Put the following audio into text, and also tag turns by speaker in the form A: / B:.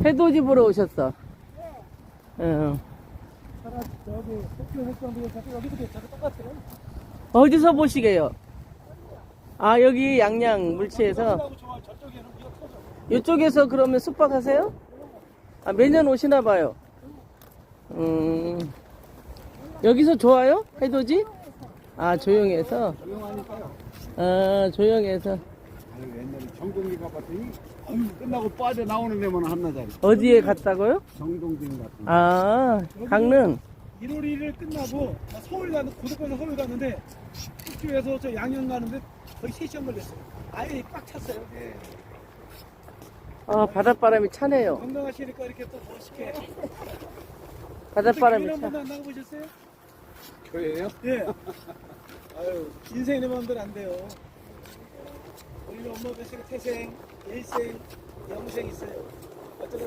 A: 해돋이 보러 오셨어. 응.
B: 저기 도쿄 해수욕장도 여기도 저기 똑같아요.
A: 어디서 보시게요? 아, 여기 양양 물치에서.
B: 저쪽에는 비가 터져.
A: 이쪽에서 그러면 숙박하세요? 아, 매년 오시나 봐요. 여기서 좋아요? 해돋이? 아, 조용해서?
B: 조용하니까요.
A: 아, 조용해서.
B: 아유, 옛날에 정동기가 봤더니 끝나고 빠져나오는 데만 한나자리.
A: 어디에 갔다고요?
B: 정동진 같은 거.
A: 아, 강릉.
C: 1월 1일 끝나고 나 서울 가는 고속버스 서울 가는데 숙주에서 저 양양 가는데 거의 3시간 걸렸어요. 아예 꽉 찼어요. 예.
A: 아, 바닷바람이 차네요.
C: 건강하시니까 이렇게 또 멋있게.
A: 바닷바람이
C: 한
A: 차.
C: 번도 안 나가보셨어요?
B: 교회예요?
C: 예. 아유, 인생의 마음대로 안 돼요. 우리는 엄마 뱃속에 태생, 일생, 영생 있어요. 어쩌다